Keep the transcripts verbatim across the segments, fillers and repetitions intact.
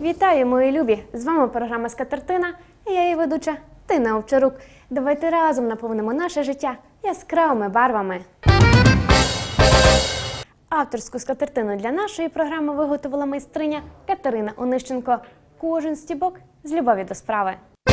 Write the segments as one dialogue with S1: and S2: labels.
S1: Вітаю, мої любі! З вами програма «Скатертина» і я її ведуча Тина Овчарук. Давайте разом наповнимо наше життя яскравими барвами. Авторську скатертину для нашої програми виготовила майстриня Катерина Онищенко. Кожен стібок з любові до справи.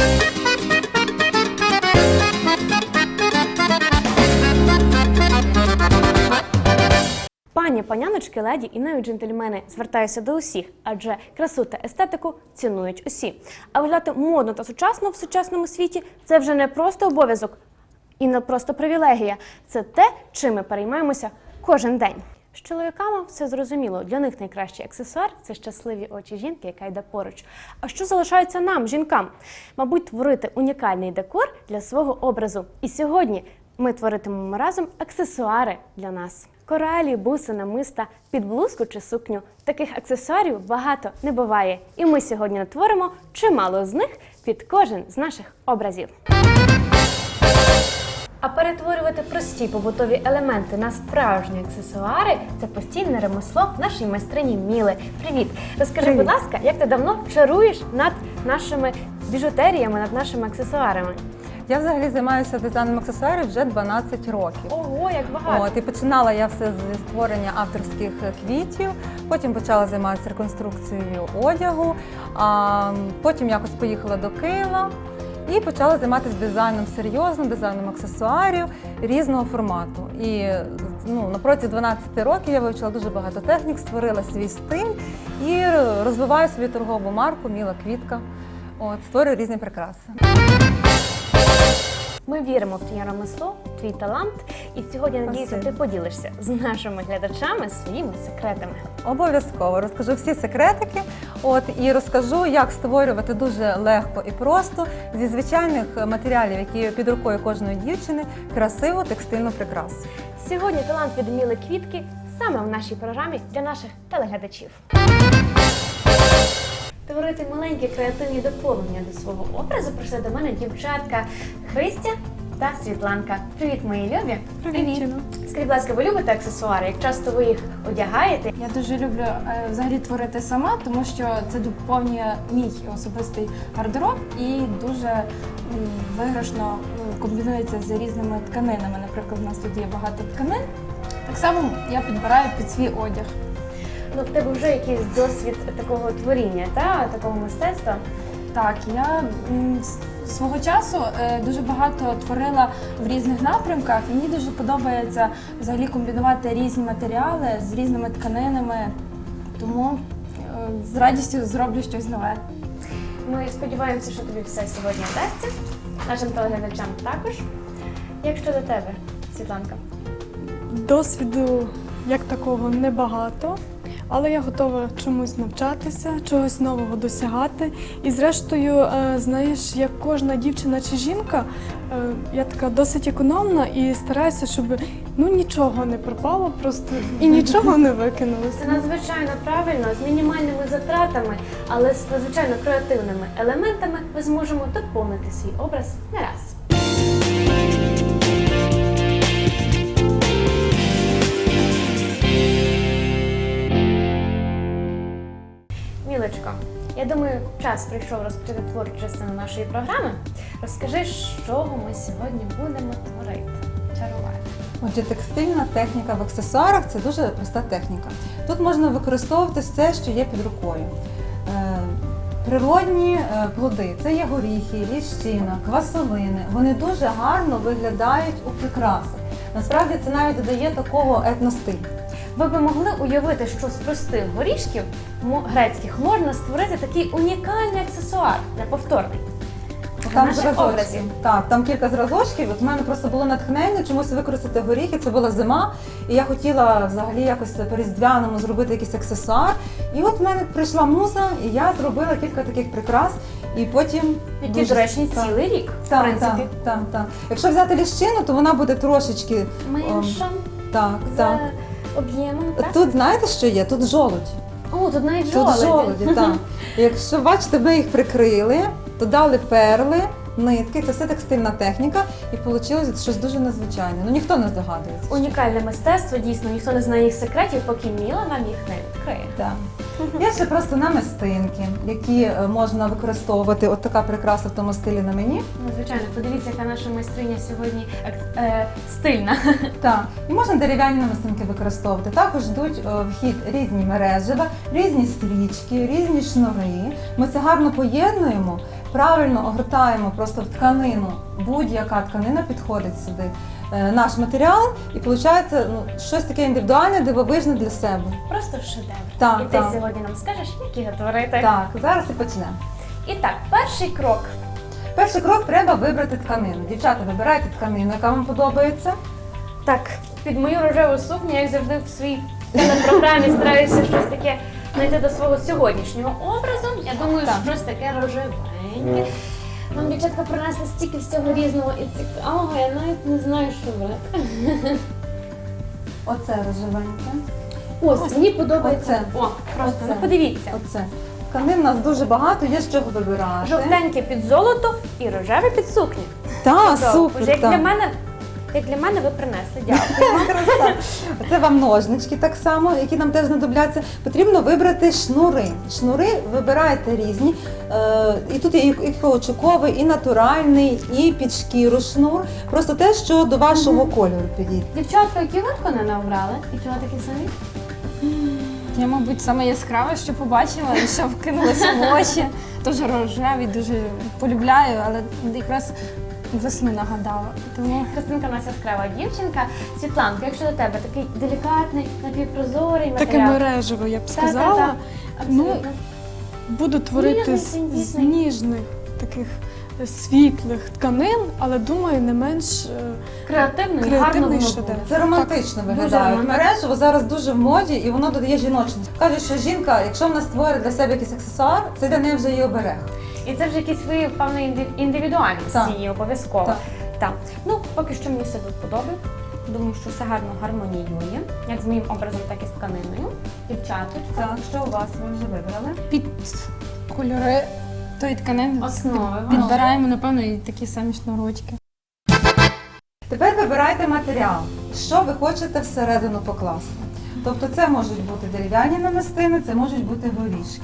S1: Пані, паняночки, леді і навіть джентльмени, звертаюся до усіх, адже красу та естетику цінують усі. А виглядати модно та сучасно в сучасному світі – це вже не просто обов'язок і не просто привілегія. Це те, чим ми переймаємося кожен день. З чоловіками все зрозуміло. Для них найкращий аксесуар – це щасливі очі жінки, яка йде поруч. А що залишається нам, жінкам? Мабуть, творити унікальний декор для свого образу. І сьогодні ми творитимемо разом аксесуари для нас. Коралі, буси, намиста, під блузку чи сукню. Таких аксесуарів багато не буває. І ми сьогодні натворимо чимало з них під кожен з наших образів. А перетворювати прості побутові елементи на справжні аксесуари – це постійне ремесло нашої майстрині Міли. Привіт! Розкажи,
S2: Привіт.
S1: будь ласка, як ти давно чаруєш над нашими біжутеріями, над нашими аксесуарами?
S2: Я взагалі займаюся дизайном аксесуарів вже дванадцять років.
S1: Ого, як багато!
S2: От, і починала я все зі створення авторських квітів, потім почала займатися реконструкцією одягу, а потім якось поїхала до Києва і почала займатися дизайном серйозно, дизайном аксесуарів різного формату. І ну, на протязі дванадцяти років я вивчила дуже багато технік, створила свій стиль і розвиваю свою торгову марку «Міла Квітка». От, створюю різні прикраси.
S1: Ми віримо в твоє ремесло, в твій талант. І сьогодні, надіюся, ти
S2: Спасибо.
S1: поділишся з нашими глядачами своїми секретами.
S2: Обов'язково розкажу всі секретики, от і розкажу, як створювати дуже легко і просто зі звичайних матеріалів, які під рукою кожної дівчини, красиву текстильну прикрасу.
S1: Сьогодні талант від Міли Квітки саме в нашій програмі для наших телеглядачів. Творити маленькі креативні доповнення до свого образу прийшли до мене дівчатка Христя та Світланка. Привіт, мої любі!
S3: Привіт, Чіно.
S1: Скажіть, будь ласка, ви любите аксесуари? Як часто ви їх одягаєте?
S3: Я дуже люблю е, взагалі творити сама, тому що це доповнює мій особистий гардероб і дуже м, виграшно м, комбінується з різними тканинами. Наприклад, у нас тут є багато тканин. Так само я підбираю під свій одяг.
S1: Ну, в тебе вже якийсь досвід такого творіння, та? Такого мистецтва?
S3: Так, я м, с- свого часу е, дуже багато творила в різних напрямках. І мені дуже подобається взагалі комбінувати різні матеріали з різними тканинами, тому е, з радістю зроблю щось нове.
S1: Ми сподіваємося, що тобі все сьогодні вдасться. Нашим телеглядачам також. Як щодо тебе, Світланка?
S4: Досвіду як такого небагато, але я готова чомусь навчатися, чогось нового досягати. І зрештою, е, знаєш, як кожна дівчина чи жінка, е, я така досить економна і стараюся, щоб ну нічого не пропало просто і нічого не викинулося.
S1: Це надзвичайно правильно, з мінімальними затратами, але з надзвичайно креативними елементами ми зможемо доповнити свій образ не раз. Мілочко, я думаю, час прийшов розпочати творчу частину нашої програми. Розкажи, з чого ми сьогодні будемо творити, чарувати.
S2: Отже, текстильна техніка в аксесуарах – це дуже проста техніка. Тут можна використовувати все, що є під рукою. Е, Природні е, плоди – це є горіхи, ліщина, квасолини. Вони дуже гарно виглядають у прикрасах. Насправді це навіть додає такого етностилю.
S1: Ви би могли уявити, що з простих горішків мо- грецьких можна створити такий унікальний аксесуар, неповторний.
S2: Там
S1: наших
S2: зразочки.
S1: образів.
S2: Так, там кілька зразочків. От у мене просто було натхнення чомусь використати горіхи. Це була зима, і я хотіла взагалі якось по-різдвяному зробити якийсь аксесуар. І от в мене прийшла муза, і я зробила кілька таких прикрас. І потім
S1: Які
S2: дуже-
S1: доречні
S2: так.
S1: цілий рік, в
S2: Так,
S1: принципі.
S2: так, так, так. Якщо взяти ліщину, то вона буде трошечки
S1: Менша
S2: так,
S1: за
S2: так.
S1: об'ємом, так?
S2: Тут знаєте, що є? Тут жолудь.
S1: О, тут навіть
S2: Тут
S1: жолоді.
S2: жолуді, так. Якщо бачите, ми їх прикрили, то дали перли, нитки, це все текстильна техніка, і вийшло щось дуже незвичайне. Ну ніхто не здогадується.
S1: Унікальне мистецтво, дійсно, ніхто не знає їх секретів, поки Міла нам їх не відкриє.
S2: Так. Є ще просто намистинки, які е, можна використовувати. От така прикраса в тому стилі на мені.
S1: Ну, звичайно, подивіться, яка наша майстриня сьогодні ек- е, стильна.
S2: Так, і можна дерев'яні намистинки використовувати. Також йдуть е, в хід різні мережева, різні стрічки, різні шнури. Ми це гарно поєднуємо, правильно огортаємо просто в тканину. Будь-яка тканина підходить сюди. Е, Наш матеріал, і виходить ну, щось таке індивідуальне, дивовижне для себе.
S1: Просто шедевр.
S2: Так,
S1: і ти
S2: так.
S1: сьогодні нам скажеш, як їх творити.
S2: Так, зараз і почнемо.
S1: І так, перший крок.
S2: Перший крок треба вибрати тканину. Дівчата, вибирайте тканину, яка вам подобається.
S1: Так, під мою рожеву сукню, як завжди в своїй телепрограмі стараюся щось таке знайти до свого сьогоднішнього образу. Я думаю,
S2: Так.
S1: щось таке рожевеньке. Нам дівчатка принесли стільки всього різного і цікавого, я навіть не знаю, що брати.
S2: Оце рожевеньке.
S1: Ось, мені подобається.
S2: Оце.
S1: О, просто,
S2: Оце.
S1: ну подивіться.
S2: Оце. Тканин у нас дуже багато, є з чого вибирати.
S1: Жовтеньке під золото і рожеве під сукню.
S2: Так,
S1: Добре.
S2: супер.
S1: Як
S2: так.
S1: для мене, як для мене ви принесли. Дякую.
S2: Краса. Це вам ножнички так само, які нам теж знадобляться. Потрібно вибрати шнури. Шнури вибирайте різні. Е, І тут є і каучуковий, і натуральний, і під шкіру шнур. Просто те, що до вашого кольору підійде.
S1: Дівчатка, які ви тканини обрали? І чого такі самі?
S3: Я, мабуть, саме яскраве, що побачила і що вкинулося в очі. Дуже рожевий, дуже полюбляю, але якраз весну нагадала. Тому
S1: Христинка у нас яскрава дівчинка. Світланка, якщо до тебе такий делікатний, напівпрозорий
S4: Таке
S1: матеріал.
S4: мережево, я б
S1: Та, та,
S4: сказала.
S1: та.
S4: Ну,
S1: Абсолютно.
S4: Буду творити з,
S1: Ніжний,
S4: з
S1: ніжний.
S4: ніжних таких світлих тканин, але думаю, не менш е,
S1: Креативно і гарно
S4: креативний
S1: воно
S4: шедевр.
S1: буде.
S2: Це романтично
S1: Дуже
S2: виглядає.
S1: романтично.
S2: Мережево зараз дуже в моді і воно додає жіночність. Кажуть, що жінка, якщо вона створить для себе якийсь аксесуар, це для неї вже її оберег.
S1: І це вже якісь свої певної інди- індивідуальності
S2: Так.
S1: її обов'язково.
S2: Так.
S1: Так. Ну, поки що мені все тут подобається. Думаю, що все гарно гармоніює, як з моїм образом, так і з тканиною. Дівчаточка.
S2: Так, що у вас ви вже вибрали?
S3: під кольори тої тканини
S1: Основи.
S3: підбираємо, напевно, і такі самі шнурочки.
S2: Тепер вибирайте матеріал, що ви хочете всередину покласти. Тобто це можуть бути дерев'яні намистини, це можуть бути горішки.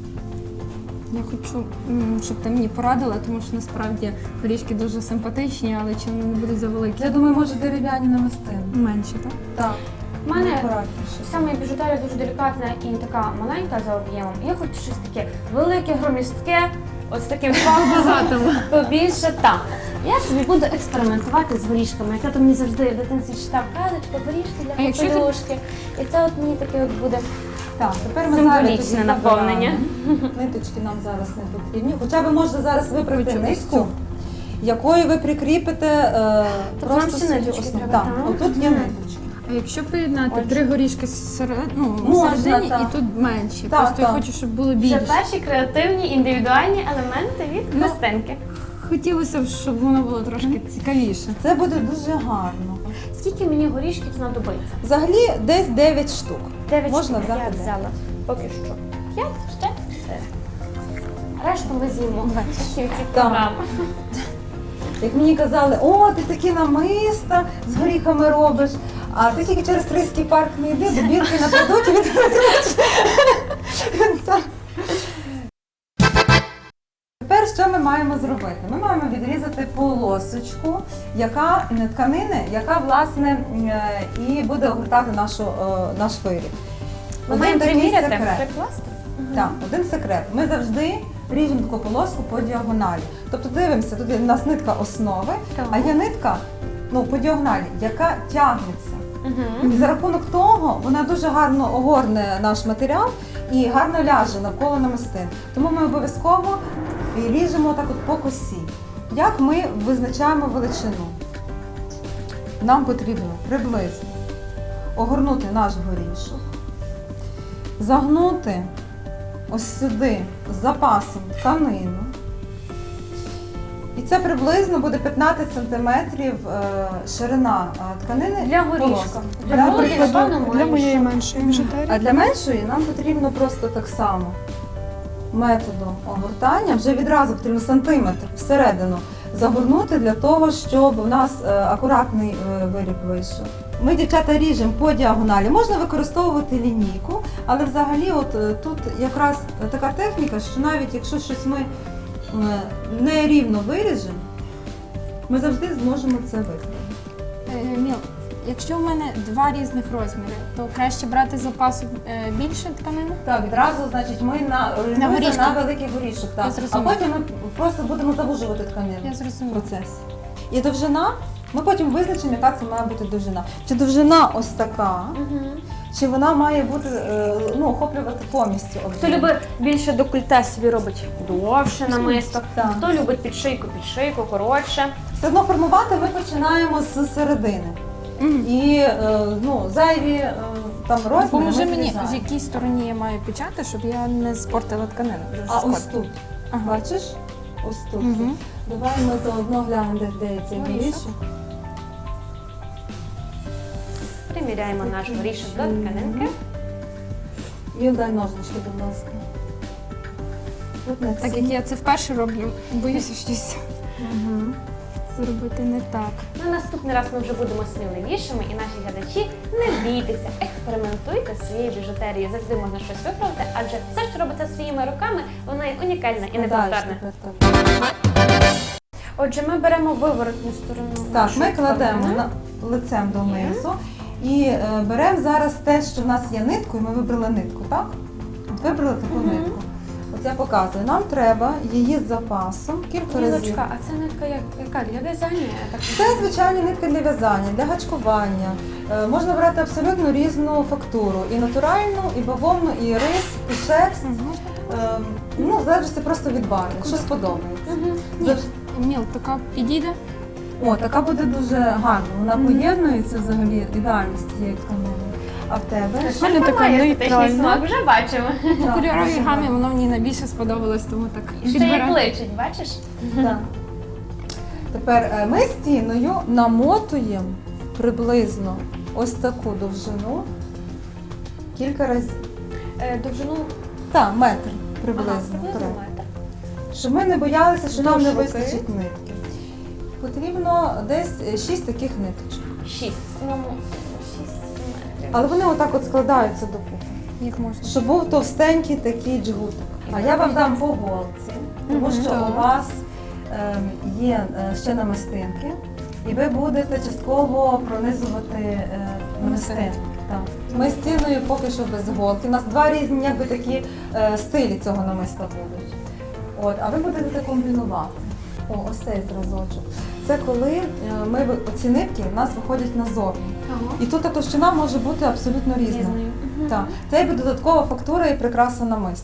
S3: Я хочу, м, щоб ти мені порадила, тому що насправді горішки дуже симпатичні, але чи вони не будуть завеликі?
S2: Я думаю, може дерев'яні намистини.
S3: Менші, так?
S2: Так.
S1: У мене
S2: акуратніше.
S1: вся моя біжутерія дуже делікатна і така маленька за об'ємом. Я хочу щось таке велике, громістке, ось таким фактом побільше там. Я собі буду експериментувати з горішками. Як то мені завжди в дитинстві читав казочка, горішки
S3: А
S1: для
S3: якщо ти-
S1: попелюшки. І це от мені таке от буде.
S2: Так, тепер ми
S1: Символічне
S2: зараз тоді
S1: наповнення.
S2: забираємо. Ниточки нам зараз не потрібні. Хоча ви можете зараз вибрати
S3: Хочу
S2: нитку, якою ви прикріпите е,
S1: Тобто нам
S2: просто
S1: ще
S2: свою
S1: ниточки
S2: основу.
S1: треба,
S2: Так,
S1: так?
S2: отут є
S1: Мгм.
S2: ниточки.
S3: А якщо поєднати
S2: Отже.
S3: три горішки серед, ну,
S2: Можна,
S3: всередині
S2: так.
S3: і тут менші.
S2: Так,
S3: Просто я
S2: так.
S3: хочу, щоб було
S1: Вже
S3: більше.
S1: перші креативні індивідуальні елементи від
S3: Ну,
S1: Христинки.
S3: Хотілося б, щоб воно було трошки цікавіше.
S2: Це буде дуже гарно.
S1: Скільки мені горішків знадобиться?
S2: Взагалі десь дев'ять штук.
S1: Дев'ять
S2: Можна
S1: штук
S2: взяти
S1: я
S2: дев'ять.
S1: взяла. Поки що. П'ять, ще чотири. Решту ми з'їмо в кінці
S2: Так.
S1: програми.
S2: Як мені казали, о, ти такі намиста з горіхами робиш, а ти тільки через Трийський парк не йди, до бірки нападуть і відкладуть. Так. Тепер що ми маємо зробити? Ми маємо відрізати полосочку, яка не тканини, яка власне е, і буде огортати нашу, е, наш виріб.
S1: Ми
S2: Один
S1: маємо
S2: такий
S1: приміряти,
S2: секрет.
S1: прикласти.
S2: Так, один секрет. Ми завжди ріжемо таку полоску по діагоналі. Тобто дивимося, тут є у нас нитка основи,
S1: Так.
S2: а є нитка ну, по діагоналі, яка тягнеться.
S1: Угу.
S2: І за рахунок того вона дуже гарно огорне наш матеріал і гарно ляже навколо намистин. Тому ми обов'язково і ріжемо так от по косі. Як ми визначаємо величину? Нам потрібно приблизно огорнути наш горішок, загнути ось сюди з запасом тканину. І це приблизно буде п'ятнадцять сантиметрів е, ширина е, тканини.
S1: Для горішка.
S2: полоски.
S1: Для
S2: Для
S1: горішка.
S2: горішка.
S1: Напевно,
S4: Для
S1: менше.
S4: моєї меншої біжутерії.
S2: А для меншої нам потрібно просто так само методом огортання вже відразу потрібно сантиметр всередину загорнути для того, щоб у нас е, акуратний е, виріб вийшов. Ми, дівчата, ріжемо по діагоналі. Можна використовувати лінійку, але взагалі от е, тут якраз така техніка, що навіть якщо щось ми е, нерівно виріжемо, ми завжди зможемо це виконати.
S3: Е, Міл, якщо в мене два різних розміри, то краще брати з запасу е, більше тканини?
S2: Так, відразу, значить, ми на, орієнтуємося
S3: горішки.
S2: на великий горішок. Так.
S3: Я
S2: А
S3: зрозуміла.
S2: потім ми просто будемо завужувати тканину
S3: Я
S2: в
S3: зрозуміла.
S2: процесі. І довжина, ми потім визначимо, яка це має бути довжина. Чи довжина ось така, чи вона має бути, е, ну, охоплювати повністю об'єм.
S1: Хто любить більше декольте, собі робить довше намисто,
S2: Так.
S1: хто любить під шийку, під шийку, коротше.
S2: Все одно формувати ми починаємо з середини. І е, ну, зайві е, там розміри
S3: Поможи
S2: ми
S3: мені,
S2: зрізаємо.
S3: в якій стороні я маю печати, щоб я не спортила тканину. Дуже
S2: А
S3: шкода.
S2: ось тут,
S3: Ага.
S2: бачиш? Ось тут.
S3: Мгм.
S2: Давай ми заодно глянемо, де, де цей
S3: Горішок.
S2: горішок.
S1: Приміряємо наш горішок до тканинки.
S2: І дай ножнички, будь ласка. От на
S3: Так
S2: ці.
S3: як я це вперше роблю, боюся щось
S2: Мгм.
S3: зробити не так.
S1: На наступний раз ми вже будемо сміливішими, і наші глядачі, не бійтеся, експериментуйте з своєю біжутерією. Завжди можна щось виправити, адже все, що робиться своїми руками, воно є унікальне і
S2: Далі
S1: неповторне.
S2: тепер так.
S1: Отже, ми беремо виворотню сторону.
S2: Так,
S1: нашої
S2: ми кладемо
S1: тканини.
S2: на лицем донизу і е, беремо зараз те, що в нас є ниткою. Ми вибрали нитку, так? От вибрали таку нитку. От я показую. Нам треба її з запасом кілька разів.
S1: Лілочка, а це нитка як, яка? Для в'язання? Я так
S2: Це звичайні нитки для в'язання, для гачкування. Е, Можна брати абсолютно різну фактуру. І натуральну, і бавовну, і рис, і шерсть. Е, Ну, залежить це просто від барви, що сподобається.
S3: Ні, Міл, така підійде?
S2: О, така буде дуже гарна. Вона поєднується взагалі ідеально з цією тканиною. А в тебе?
S4: У мене така
S1: має естетичний
S4: нейтральна.
S1: смак, вже бачимо.
S3: По
S2: Так,
S3: кольоровій
S2: дуже
S3: гамі
S2: гарно.
S3: воно мені найбільше сподобалось, тому так
S1: І ще як
S3: підбираю.
S1: личить, бачиш?
S2: Так. Тепер е, ми стіною намотуємо приблизно ось таку довжину кілька разів.
S1: Е, довжину
S2: Так, метр
S1: ага,
S2: приблизно.
S1: приблизно
S2: вперед.
S1: метр.
S2: Щоб ми не боялися, що нам не
S1: Вздовж руки.
S2: вистачить нитки. Потрібно десь шість таких ниточок.
S1: Шість. Ну, шість метрів.
S2: Але вони отак от складаються докупи.
S3: Як можна?
S2: Щоб був товстенький такий джгутик. А я вам дам по голці, тому що
S3: так.
S2: у вас ем, є е, ще намистинки, і ви будете частково пронизувати е, намистинки. Так. Ми стіною поки що без голки. У нас два різні якби, такі е, стилі цього намиста будуть. От, а ви будете комбінувати. О, ось цей зразочок. Це коли е, ми ви- оці нитки у нас виходять назовні.
S1: Ага.
S2: І тут та товщина може бути абсолютно різна.
S1: Різною.
S2: Так, це буде додаткова фактура і прикраса намиста.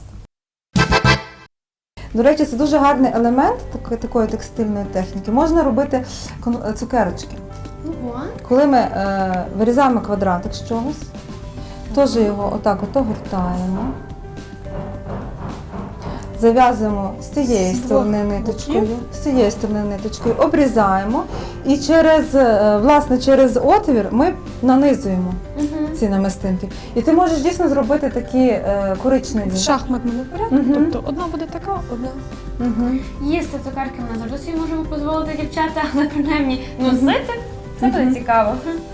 S2: До речі, це дуже гарний елемент такої, такої текстильної техніки. Можна робити кон- цукерочки.
S1: Ого.
S2: Коли ми е, вирізаємо квадратик з чогось, теж його отак от огортаємо, зав'язуємо з цієї
S4: З двох
S2: сторони ниточкою, з цієї сторони ниточкою, обрізаємо і через, е, власне, через отвір ми нанизуємо ці намистинки. І ти можеш дійсно зробити такі е, коричневі.
S4: В шахматному порядку.
S2: Мгм.
S4: Тобто одна буде така, одна.
S2: Мгм.
S1: Їсти цукерки ми завжди собі можемо дозволити, дівчата, але принаймні носити. Це буде цікаво.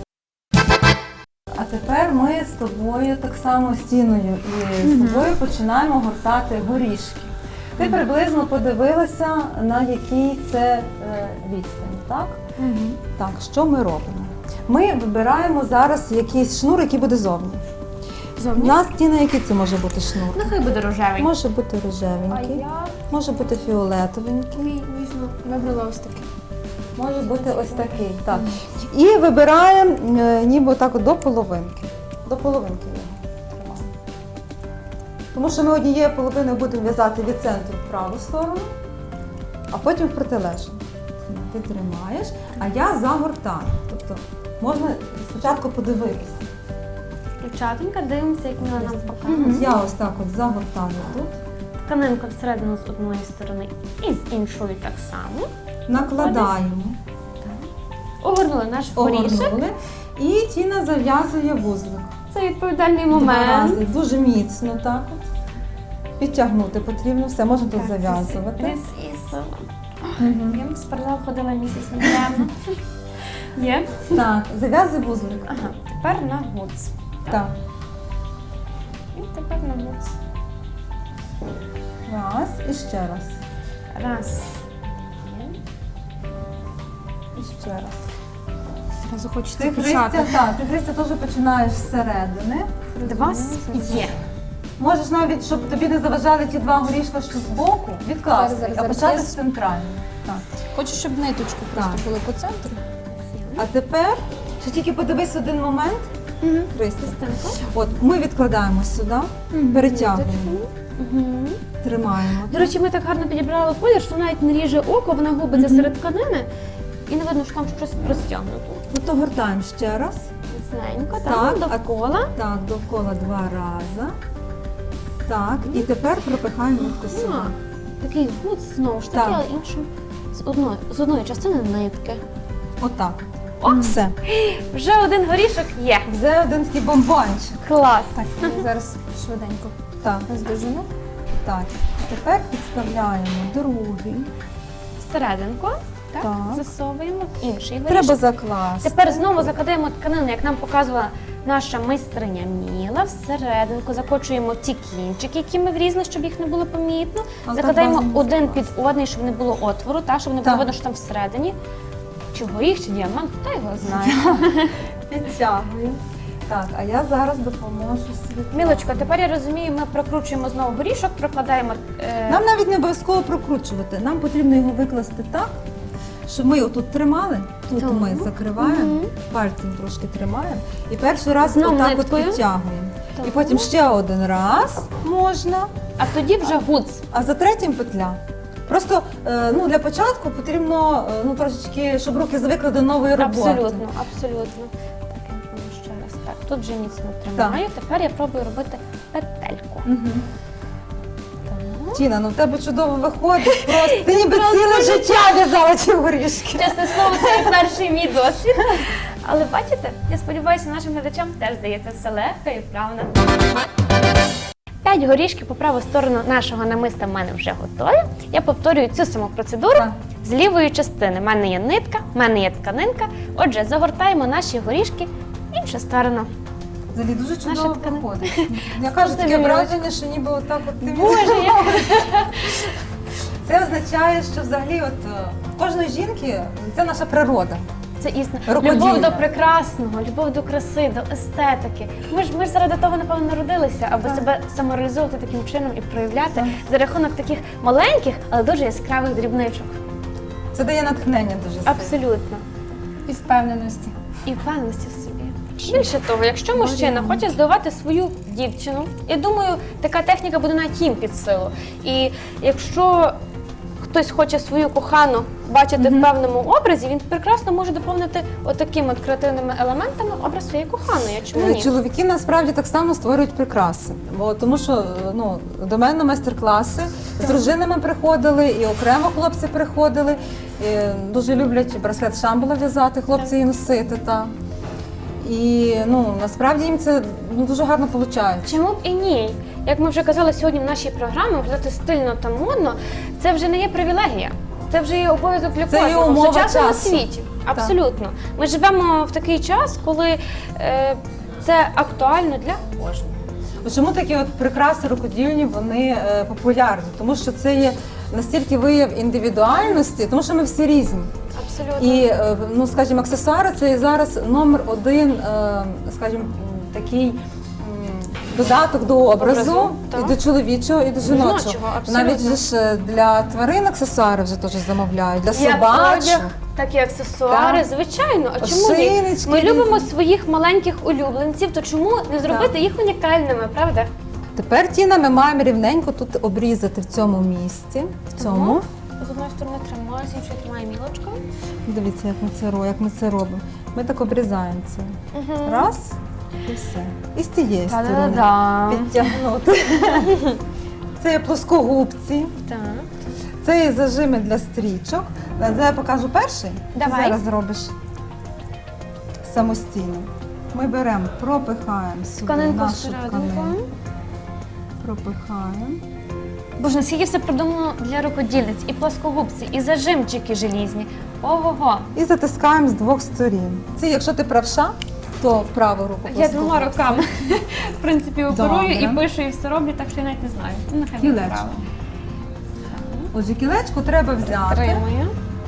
S2: А тепер ми з тобою так само стіною і з тобою починаємо гортати горішки. Ти приблизно подивилася, на якій це е, відстані, так? Так, що ми робимо? Ми вибираємо зараз якийсь шнур, який буде зовні. У нас стіна, який це може бути шнур?
S1: Нехай буде рожевий.
S2: Може бути
S3: А
S2: рожевенький,
S3: я
S2: може бути фіолетовенький,
S3: Ой, візьму, вибрала ось таке.
S2: може бути ось такий. Так. І вибираємо е, ніби так от до половинки. До половинки його тримаємо. Тому що ми однією половиною будемо в'язати від центру в праву сторону, а потім в протилежну. Ти тримаєш, а я загортаю. Тобто можна спочатку подивитися.
S1: Дівчатонька, дивимося, як Міла нам показує.
S2: Ось я ось так от загортаю тут,
S1: Тканинка всередину з одної сторони і з іншої так само.
S2: накладаємо,
S1: Огорнули наш горішок.
S2: огорнули, і Тіна зав'язує вузлик.
S1: Це відповідальний
S2: Два
S1: момент.
S2: рази, дуже міцно так от. Підтягнути потрібно, все, можна тут
S1: Так,
S2: зав'язувати.
S1: This is...
S2: Мгм.
S1: Я в спортзал ходила місяць недавно. Є?
S2: Так, зав'язуй вузлик.
S1: Ага, тепер на гудз.
S2: Так.
S1: І тепер на гудз.
S2: Раз і ще раз.
S1: Раз. Є.
S2: І ще раз.
S3: Зразу хочеться
S2: Ти, Христя,
S3: почати.
S2: так, ти, Христя, теж починаєш зсередини.
S1: Два. Є.
S2: Можеш навіть, щоб тобі не заважали ті два горішка, що збоку, відкласти,
S3: Зараз,
S2: а
S3: зараз,
S2: почати
S3: зараз.
S2: з центральної. Так.
S3: Хочу, щоб ниточку просто
S2: Так.
S3: були по центру.
S2: А тепер, ще тільки подивись один момент, Христя.
S1: Частинку.
S2: От, ми відкладаємо сюди, перетягуємо,
S1: Угу.
S2: тримаємо.
S1: До речі, ми так гарно підібрали колір, що навіть не ріже око, вона губиться серед тканини. І не видно, що там щось розтягнуто.
S2: Ну, то гортаємо ще раз.
S1: Міцненько,
S2: Так,
S1: так,
S2: а-
S1: довкола.
S2: Так, довкола два рази. Так, і тепер пропихаємо нитку сюди.
S1: А, такий гудз, знову ж таки,
S2: Так.
S1: але іншим. З одної, з одної частини нитки.
S2: Отак.
S1: О!
S2: Все.
S1: Вже один горішок є.
S2: Вже один такий бомбончик.
S1: Клас.
S3: Так, я зараз швиденько
S2: Так,
S3: роздовжену.
S2: так. Тепер підставляємо другий.
S1: Всерединку, так,
S2: Так.
S1: засовуємо в інший горішок.
S2: Треба закласти.
S1: Тепер знову закладаємо тканину, як нам показувала наша майстриня Міла. Всерединку закочуємо ті кінчики, які ми врізали, щоб їх не було помітно.
S2: Але
S1: Закладаємо
S2: так бажано
S1: один під одний, щоб не було отвору, та, щоб не було
S2: Так.
S1: видно, що там всередині. Чи горіх, чи діамант, хто його знає.
S2: Підтягуємо. Так, а я зараз допоможу світлі.
S1: Мілочко, тепер я розумію, ми прокручуємо знову горішок, прокладаємо. Е...
S2: Нам навіть не обов'язково прокручувати. Нам потрібно його викласти так, щоб ми отут тримали, тут
S1: Так.
S2: ми закриваємо,
S1: Мгм.
S2: пальцем трошки тримаємо і перший раз
S1: Знову
S2: отак от
S1: ниткою.
S2: підтягуємо.
S1: Так.
S2: І потім ще один раз можна,
S1: А тоді вже гудз.
S2: а за третім петля. Просто е, ну, для початку потрібно е, ну, трошечки, щоб руки звикли до нової роботи.
S1: Абсолютно, абсолютно. Так, я напевно, ще раз. Так, тут вже міцно тримаю. Тепер я пробую робити петельку.
S2: Мгм.
S1: Так.
S2: Тіна, ну в тебе чудово виходить. Просто ти ніби ціле життя в'язала ці горішки.
S1: Чесне слово, це як перший мій досвід. Але бачите, я сподіваюся, нашим глядачам теж здається все легко і вправно. П'ять горішків по праву сторону нашого намиста в мене вже готові. Я повторюю цю саму процедуру
S2: Так.
S1: з лівої частини. У мене є нитка, в мене є тканинка. Отже, загортаємо наші горішки в іншу сторону.
S2: Взагалі дуже чудово
S1: Наша тканина.
S2: виходить. Я кажу, таке
S1: Спасибі,
S2: враження, що ніби отак от ти
S1: Боже, я...
S2: Це означає, що взагалі от е, кожної жінки це наша природа.
S1: Це істина.
S2: Рукоділля.
S1: Любов до прекрасного, любов до краси, до естетики. Ми ж ми ж заради того, напевно, народилися, аби
S2: Так.
S1: себе самореалізовувати таким чином і проявляти
S2: Так.
S1: за рахунок таких маленьких, але дуже яскравих дрібничок.
S2: Це дає натхнення дуже сильно.
S1: Абсолютно.
S3: І впевненості.
S1: І впевненості в собі. Більше того, якщо мужчина хоче здивувати свою дівчину, я думаю, така техніка буде навіть їм під силу. І якщо хтось хоче свою кохану бачити в певному образі, він прекрасно може доповнити отакими от креативними елементами образ своєї коханої. Чому
S2: Е,
S1: ні?
S2: Чоловіки насправді так само створюють прикраси. Бо тому що е, ну, до мене на майстер-класи з дружинами приходили, і окремо хлопці приходили. І дуже люблять браслет Шамбала в'язати, хлопці і носити. Та. І ну, насправді їм це ну, дуже гарно виходить.
S1: Чому б і ні? Як ми вже казали сьогодні в нашій програмі, виглядати стильно та модно, це вже не є привілегія. Це вже є обов'язок для
S2: Це є
S1: кожного в
S2: умова
S1: сучасному
S2: часу.
S1: світі. Абсолютно. Ми живемо в такий час, коли е, це актуально для кожного.
S2: От Чому такі от прикраси рукодільні вони е, популярні? Тому що це є настільки вияв індивідуальності, тому що ми всі різні.
S1: Абсолютно.
S2: І, е, ну, скажімо, аксесуари це є зараз номер один, е, скажімо, такий м, додаток до образу,
S1: Образу,
S2: і
S1: так.
S2: до чоловічого, і до жіночого.
S1: Жіночого, абсолютно.
S2: Навіть же ж е, для тварин аксесуари вже теж замовляють, для
S1: Як
S2: собачок.
S1: одяг, так і аксесуари,
S2: Так.
S1: звичайно. А чому ні?
S2: Ошейнички
S1: Ми любимо
S2: різні.
S1: своїх маленьких улюбленців, то чому не зробити їх унікальними, правда?
S2: Тепер, Тіна, ми маємо рівненько тут обрізати в цьому місці, в цьому.
S1: Ага. З одної сторони тримаю, з іншої тримаю мілочкою.
S2: Дивіться, як ми це робимо, як ми це робимо. Ми так обрізаємо це.
S1: Угу.
S2: Раз і все. І з тієї сторони
S1: Та-да-да.
S2: підтягнути. Це є плоскогубці,
S1: Так.
S2: це є зажими для стрічок. Це я покажу перший.
S1: Давай.
S2: Ти зараз робиш самостійно. Ми беремо, пропихаємо сюди
S1: Тканинку
S2: нашу
S1: всерединку.
S2: тканину. Пропихаємо.
S1: Боже, наскільки все придумано для рукодільниць, і плоскогубці, і зажимчики желізні. Ого-го.
S2: І затискаємо з двох сторін. Це якщо ти правша, то в праву руку.
S1: Я
S2: плоскогубці.
S1: двома руками, в принципі, оперую і
S2: Добре.
S1: пишу, і все роблю, так що я навіть не знаю. Ну, нехай буде
S2: Кілечко.
S1: право.
S2: Отже, кілечко треба взяти.
S1: Тримаю.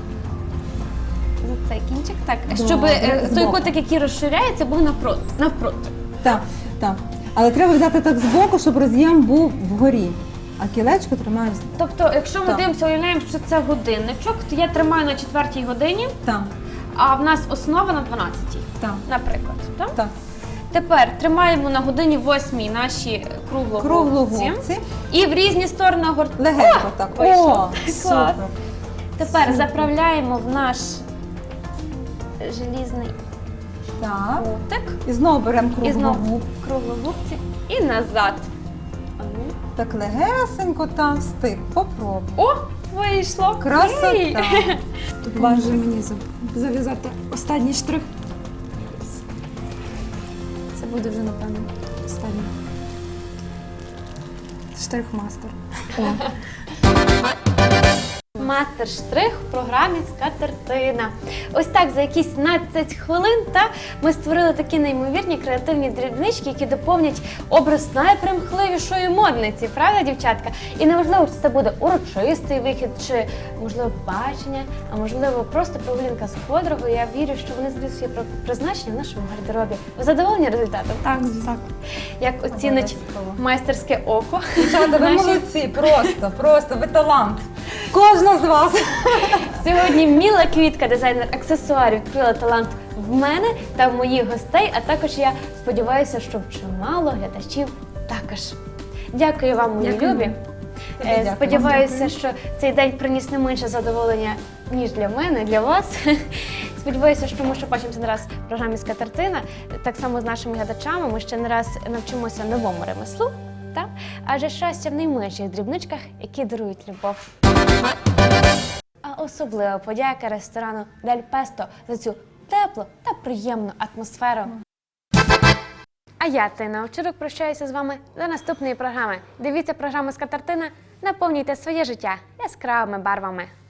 S1: За цей кінчик. Так,
S2: Добре,
S1: щоб е, той
S2: збоку.
S1: кутик, який розширяється, був навпроти. навпроти.
S2: Так, так. Але треба взяти так збоку, щоб роз'єм був вгорі. А кілечко тримаєш.
S1: Тобто, якщо ми
S2: Так.
S1: дивимося, уявляємо, що це годинничок, то я тримаю на четвертій годині,
S2: Так,
S1: а в нас основа на дванадцятій,
S2: так,
S1: наприклад. Так?
S2: так.
S1: Тепер тримаємо на годині восьмій наші круглогубці.
S2: Круглогубці.
S1: І в різні сторони гортаємо.
S2: Легенько так.
S1: вийшло.
S2: О,
S1: Клас.
S2: супер.
S1: Тепер заправляємо в наш желізний
S2: Так.
S1: кутик.
S2: І знову беремо
S1: І знову
S2: круглогуб.
S1: круглогубці і назад. А ну.
S2: Так легесенько там встиг. Попробуй.
S1: О, вийшло. Ей!
S2: Красота.
S3: Допоможе мені за- зав'язати останній штрих. Це буде вже, напевно, останній. Штрих-мастер.
S1: Мастер-штрих в програмі «Скатертина». Ось так за якісь п'ятнадцять хвилин та ми створили такі неймовірні креативні дрібнички, які доповнять образ найпримхливішої модниці, правда, дівчатка? І неважливо, чи це буде урочистий вихід, чи, можливо, бачення, а можливо, просто прогулянка з подругою. Я вірю, що вони знайдуть своє призначення в нашому гардеробі. Ви задоволені результатом?
S3: Так, так.
S1: Як оцінить
S2: Обов'язково.
S1: майстерське око?
S2: Дівчата, ви
S1: наші-
S2: молодці, просто, просто, ви талант. Кожна з вас.
S1: Сьогодні Міла Квітка, дизайнер аксесуарів, відкрила талант в мене та в моїх гостей, а також я сподіваюся, що в чимало глядачів також. Дякую вам, мої
S3: Дякую.
S1: любі.
S2: Тобі
S1: Е,
S2: дякую.
S1: Сподіваюся,
S2: Дякую.
S1: що цей день приніс не менше задоволення, ніж для мене, для вас. Сподіваюся, що ми ще бачимося не раз в програмі «Скатертина». Так само з нашими глядачами ми ще не раз навчимося новому ремеслу. Та? Адже щастя в найменших дрібничках, які дарують любов. А особлива подяка ресторану Дель Песто за цю теплу та приємну атмосферу. А я, Тина Овчарук, прощаюся з вами до наступної програми. Дивіться програму «Скатертина», наповнюйте своє життя яскравими барвами.